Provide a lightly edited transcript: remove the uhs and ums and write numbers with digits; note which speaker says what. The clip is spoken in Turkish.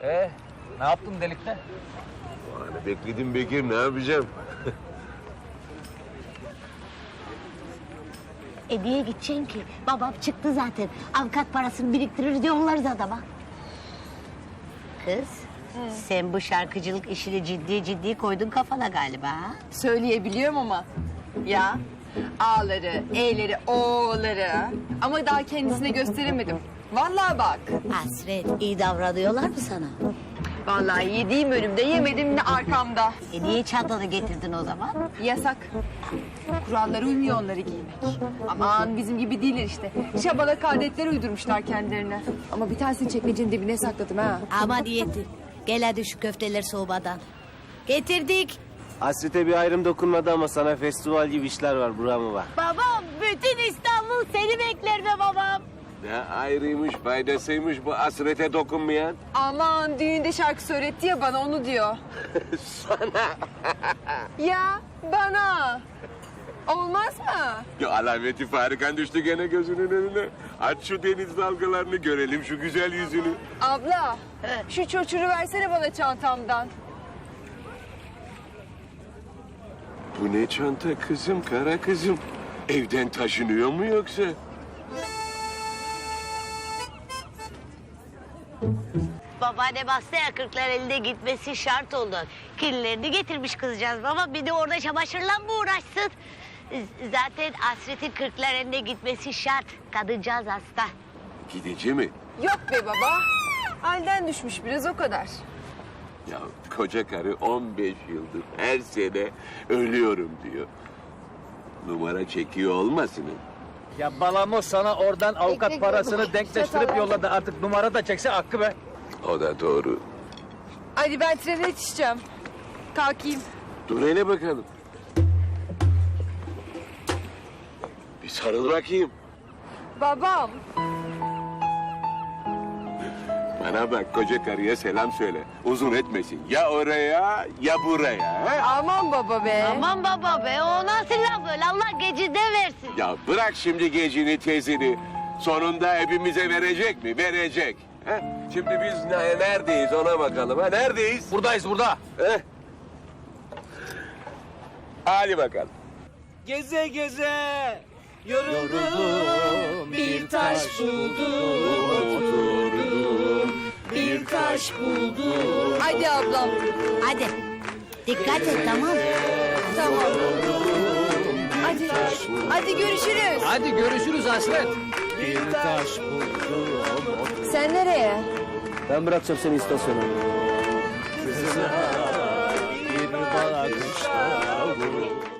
Speaker 1: Ne yaptın delikte?
Speaker 2: Yani bekledim Bekir, ne yapacağım?
Speaker 3: Niye gideceksin ki? Babam çıktı zaten. Avukat parasını biriktirir yollarız adama. Kız, sen bu şarkıcılık işini ciddi koydun kafana galiba. Ha?
Speaker 4: Söyleyebiliyorum ama. Ya A'ları, E'leri, O'ları. Ama daha kendisine gösteremedim. Vallahi bak.
Speaker 3: Hasret, iyi davranıyorlar mı sana?
Speaker 4: Vallahi yediğim önümde, yemedim de arkamda.
Speaker 3: Niye çantanı getirdin o zaman?
Speaker 4: Yasak. Kurallara uymuyor onları giymek. Aman bizim gibi değiller işte. Şabalak adetler uydurmuşlar kendilerine. Ama bir tanesini çekmecenin dibine sakladım ha.
Speaker 3: Ama diyeti. Gel hadi şu köfteler soğumadan. Getirdik.
Speaker 5: Hasrete bir ayrım dokunmadı ama sana festival gibi işler var, buramı var.
Speaker 3: Babam, bütün İstanbul seni bekler be babam.
Speaker 2: Ne ayrıymış, faydasıymış bu hasrete dokunmayan.
Speaker 4: Aman düğünde şarkı söyletti ya bana onu diyor.
Speaker 2: Sana.
Speaker 4: Ya bana. Olmaz mı?
Speaker 2: Ya alameti farikan düştü gene gözünün önüne. Aç şu deniz dalgalarını görelim, şu güzel yüzünü.
Speaker 4: Abla şu çocuğu versene bana çantamdan.
Speaker 2: Bu ne çanta kızım, kara kızım? Evden taşınıyor mu yoksa?
Speaker 3: Babaannem hastaya kırklar elinde gitmesi şart oldu. Kirlilerini getirmiş kızcağız baba. Bir de orada çamaşırla mı uğraşsın? Zaten Hasret'in kırklar elinde gitmesi şart. Kadıncağız hasta.
Speaker 2: Gidici mi?
Speaker 4: Yok be baba. Halden düşmüş biraz o kadar.
Speaker 2: Ya koca karı 15 yıldır her sene ölüyorum diyor. Numara çekiyor olmasın?
Speaker 1: Ya Balamo sana oradan avukat
Speaker 4: Ekmek
Speaker 1: parasını
Speaker 4: yok.
Speaker 1: denkleştirip
Speaker 4: Çatal
Speaker 1: yolladı. Artık numara da çekse hakkı be.
Speaker 2: O da doğru.
Speaker 4: Hadi ben trene yetişeceğim. Kalkayım.
Speaker 2: Dur hele bakalım. Bir sarıl bakayım.
Speaker 4: Babam.
Speaker 2: Bana bak, koca karıya selam söyle. Uzun etmesin. Ya oraya ya buraya. He?
Speaker 4: Aman baba be.
Speaker 3: Aman baba be o nasıl laf öyle Allah gecinde versin.
Speaker 2: Ya bırak şimdi gecini tezini. Sonunda hepimize verecek mi? Verecek. He? Şimdi biz neredeyiz ona bakalım. Ha? Neredeyiz?
Speaker 1: Buradayız burada.
Speaker 2: He? Hadi bakalım.
Speaker 5: Geze geze yoruldum, bir taş buldum, oturdum, bir taş buldum.
Speaker 4: Hadi ablam.
Speaker 3: Hadi dikkat et tamam.
Speaker 4: Tamam. Hadi. Hadi görüşürüz.
Speaker 1: Hadi görüşürüz Hasret.
Speaker 5: Bir taş buldum.
Speaker 4: Sen nereye?
Speaker 5: Ben bırakacağım seni istasyona. Kızına bir bakışla vurur.